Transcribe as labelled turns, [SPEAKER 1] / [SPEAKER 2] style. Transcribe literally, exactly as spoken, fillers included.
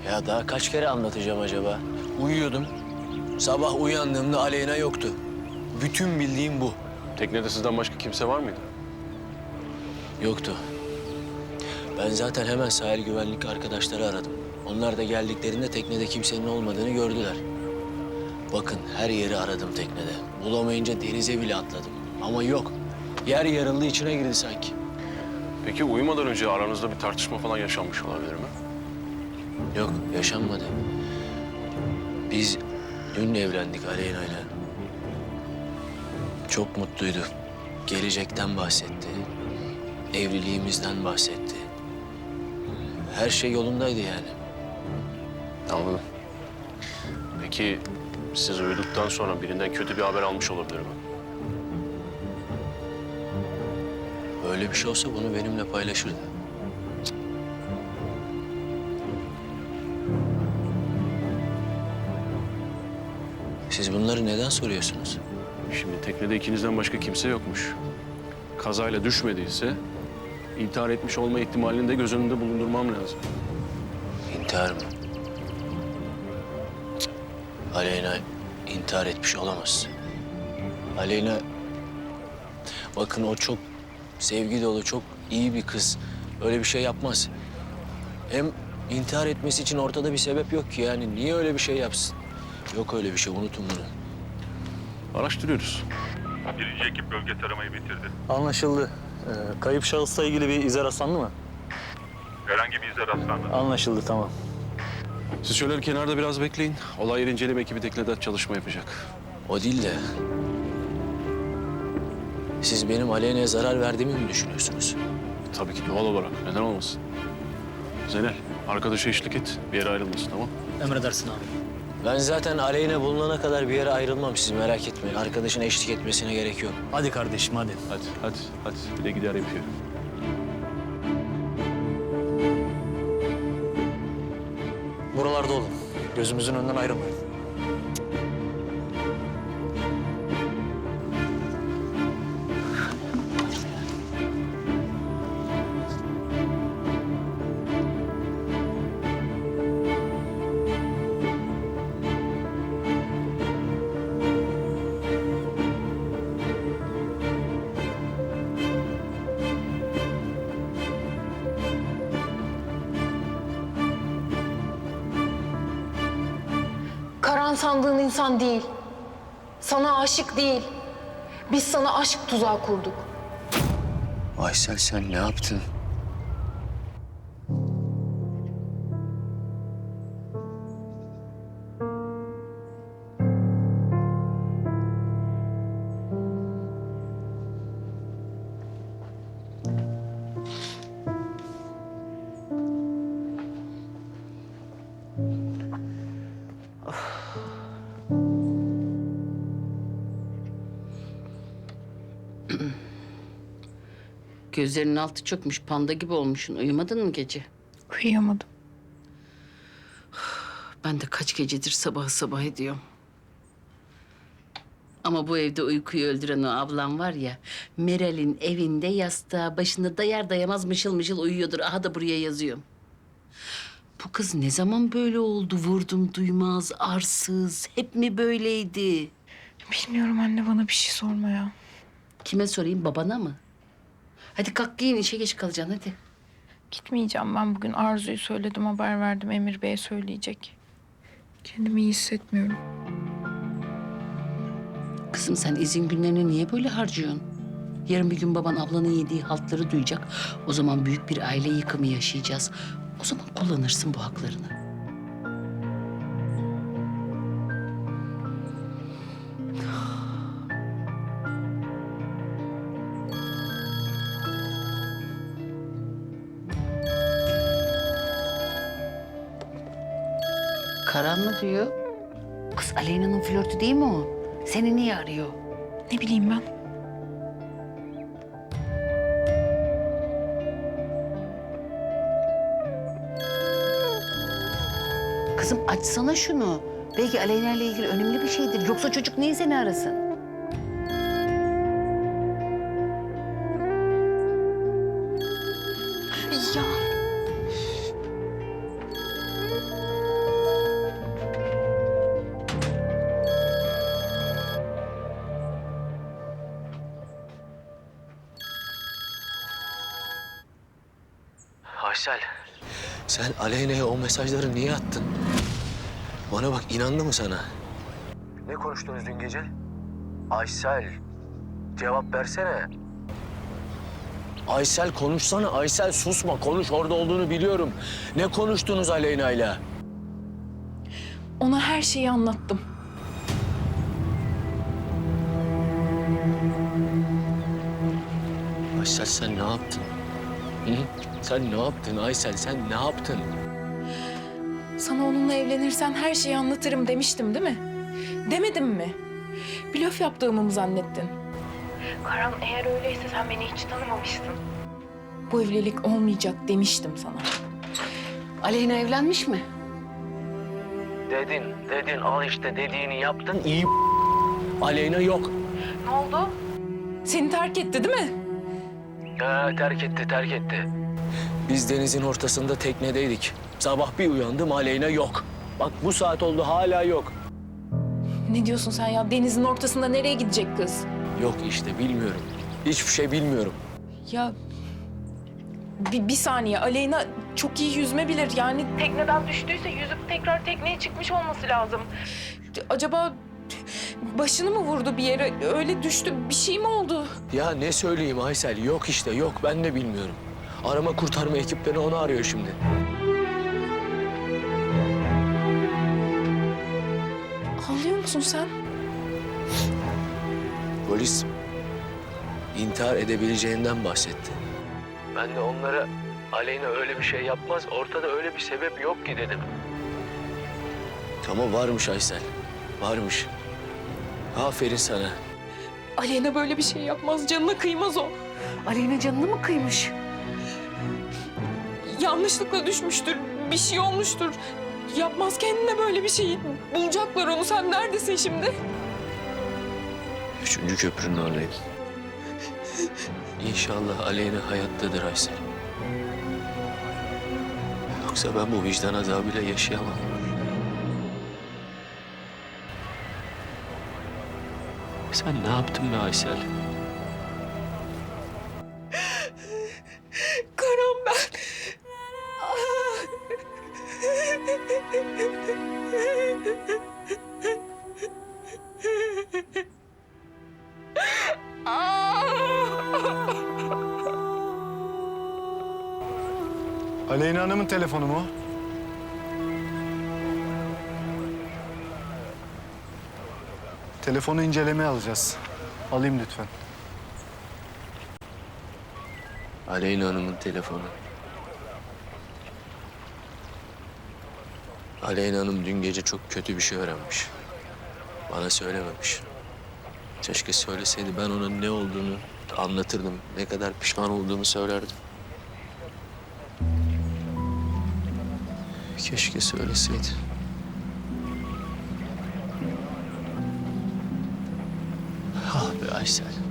[SPEAKER 1] Ya daha kaç kere anlatacağım acaba? Uyuyordum. Sabah uyandığımda Aleyna yoktu. Bütün bildiğim bu.
[SPEAKER 2] Teknede sizden başka kimse var mıydı?
[SPEAKER 1] Yoktu. Ben zaten hemen sahil güvenlik arkadaşları aradım. Onlar da geldiklerinde teknede kimsenin olmadığını gördüler. Bakın her yeri aradım teknede. Bulamayınca denize bile atladım. Ama yok. Yer yarıldı, içine girdi sanki.
[SPEAKER 2] Peki uyumadan önce aranızda bir tartışma falan yaşanmış olabilir mi?
[SPEAKER 1] Yok, yaşanmadı. Biz dün evlendik Aleyna'yla. Çok mutluydu. Gelecekten bahsetti. Evliliğimizden bahsetti. Her şey yolundaydı yani.
[SPEAKER 2] Anladım. Peki siz uyuduktan sonra birinden kötü bir haber almış olabilir mi?
[SPEAKER 1] Öyle bir şey olsa bunu benimle paylaşırdı. Siz bunları neden soruyorsunuz?
[SPEAKER 2] Şimdi teknede ikinizden başka kimse yokmuş. Kazayla düşmediyse intihar etmiş olma ihtimalini de göz önünde bulundurmam lazım.
[SPEAKER 1] İntihar mı? Cık. Aleyna intihar etmiş olamaz. Aleyna... Bakın o çok sevgi dolu, çok iyi bir kız. Öyle bir şey yapmaz. Hem intihar etmesi için ortada bir sebep yok ki yani. Niye öyle bir şey yapsın? Yok öyle bir şey, unutun bunu.
[SPEAKER 2] Araştırıyoruz.
[SPEAKER 3] Birinci ekip bölge taramayı bitirdi.
[SPEAKER 4] Anlaşıldı. Ee, kayıp şahısla ilgili bir ize rastlandı mı?
[SPEAKER 3] Herhangi bir ize rastlanmadı.
[SPEAKER 4] Anlaşıldı, tamam.
[SPEAKER 2] Siz şöyle kenarda biraz bekleyin. Olay yeri inceleme ekibi teknede çalışma yapacak.
[SPEAKER 1] O değil de... Siz benim Aleyna'ya zarar verdiğimi mi düşünüyorsunuz?
[SPEAKER 2] Tabii ki doğal olarak. Neden olmasın? Zeynel, arkadaşa eşlik et. Bir yere ayrılmasın, tamam?
[SPEAKER 4] Emredersin abi.
[SPEAKER 1] Ben zaten Aleyna bulunana kadar bir yere ayrılmam, siz merak etmeyin. Arkadaşın eşlik etmesine gerek yok.
[SPEAKER 4] Hadi kardeşim, hadi.
[SPEAKER 2] Hadi, hadi, hadi. Bir de gider yapıyor.
[SPEAKER 4] Buralarda olun. Gözümüzün önünden ayrılmayın.
[SPEAKER 5] Karan sandığın insan değil. Sana aşık değil. Biz sana aşk tuzağı kurduk.
[SPEAKER 1] Aysel sen ne yaptın?
[SPEAKER 6] Gözlerinin altı çökmüş, panda gibi olmuşsun. Uyumadın mı gece?
[SPEAKER 5] Uyuyamadım.
[SPEAKER 6] Ben de kaç gecedir sabah sabah ediyorum. Ama bu evde uykuyu öldüren o ablam var ya... Meral'in evinde yastığa başında dayar dayamaz mışıl mışıl uyuyordur. Aha da buraya yazıyorum. Bu kız ne zaman böyle oldu? Vurdum duymaz, arsız. Hep mi böyleydi?
[SPEAKER 5] Bilmiyorum anne, bana bir şey sorma ya.
[SPEAKER 6] Kime sorayım, babana mı? Hadi kalk giyin, işe geç kalacaksın hadi.
[SPEAKER 5] Gitmeyeceğim ben bugün. Arzu'yu söyledim, haber verdim. Emir Bey'e söyleyecek. Kendimi iyi hissetmiyorum.
[SPEAKER 6] Kızım sen izin günlerini niye böyle harcıyorsun? Yarın bir gün baban ablanın yediği haltları duyacak. O zaman büyük bir aile yıkımı yaşayacağız. O zaman kullanırsın bu haklarını. Karan mı diyor? Kız Aleyna'nın flörtü değil mi o? Seni niye arıyor?
[SPEAKER 5] Ne bileyim ben.
[SPEAKER 6] Kızım açsana şunu. Belki Aleyna ile ilgili önemli bir şeydir. Yoksa çocuk niye seni arasın?
[SPEAKER 5] Ya.
[SPEAKER 1] Aysel. Sen Aleyna'ya o mesajları niye attın? Bana bak, inandı mı sana? Ne konuştunuz dün gece? Aysel. Cevap versene. Aysel konuşsana. Aysel susma. Konuş, orada olduğunu biliyorum. Ne konuştunuz Aleyna'yla?
[SPEAKER 5] Ona her şeyi anlattım.
[SPEAKER 1] Aysel sen ne yaptın? Hı? Sen ne yaptın Aysel? Sen ne yaptın?
[SPEAKER 5] Sana onunla evlenirsen her şeyi anlatırım demiştim değil mi? Demedim mi? Blöf yaptığımı mı zannettin? Karan, eğer öyleyse sen beni hiç tanımamıştın. Bu evlilik olmayacak demiştim sana.
[SPEAKER 6] Aleyna evlenmiş mi?
[SPEAKER 1] Dedin, dedin. Al işte dediğini yaptın. İyi Aleyna yok.
[SPEAKER 5] Ne oldu? Seni terk etti değil mi?
[SPEAKER 1] Ha, terk etti, terk etti. Biz denizin ortasında teknedeydik. Sabah bir uyandım, Aleyna yok. Bak bu saat oldu, hala yok.
[SPEAKER 5] Ne diyorsun sen ya? Denizin ortasında nereye gidecek kız?
[SPEAKER 1] Yok işte, bilmiyorum. Hiçbir şey bilmiyorum.
[SPEAKER 5] Ya bir, bir saniye, Aleyna çok iyi yüzme bilir. Yani tekneden düştüyse yüzüp tekrar tekneye çıkmış olması lazım. Acaba başını mı vurdu bir yere? Öyle düştü, bir şey mi oldu?
[SPEAKER 1] Ya ne söyleyeyim Aysel, yok işte, yok. Ben de bilmiyorum. Arama kurtarma ekipleri onu arıyor şimdi.
[SPEAKER 5] Ağlıyor musun sen?
[SPEAKER 1] Polis intihar edebileceğinden bahsetti. Ben de onlara Aleyna öyle bir şey yapmaz, ortada öyle bir sebep yok ki dedim. Ama varmış Aysel, varmış. Aferin sana.
[SPEAKER 5] Aleyna böyle bir şey yapmaz, canına kıymaz o.
[SPEAKER 6] Aleyna canını mı kıymış?
[SPEAKER 5] Yanlışlıkla düşmüştür, bir şey olmuştur. Yapmaz kendine böyle bir şeyi. Bulacaklar onu, sen neredesin şimdi?
[SPEAKER 1] Üçüncü köprünün oradayım. İnşallah Aleyna hayattadır Aysel. Yoksa ben bu vicdan azabıyla yaşayamam. Sen ne yaptın be Aysel?
[SPEAKER 5] Karan ben.
[SPEAKER 7] Aleyna Hanım'ın telefonu mu? Telefonu incelemeye alacağız. Alayım lütfen.
[SPEAKER 1] Aleyna Hanım'ın telefonu. Aleyna Hanım dün gece çok kötü bir şey öğrenmiş. Bana söylememiş. Keşke söyleseydi, ben ona ne olduğunu anlatırdım. Ne kadar pişman olduğumu söylerdim. Keşke söyleseydi. Ah be Aysel.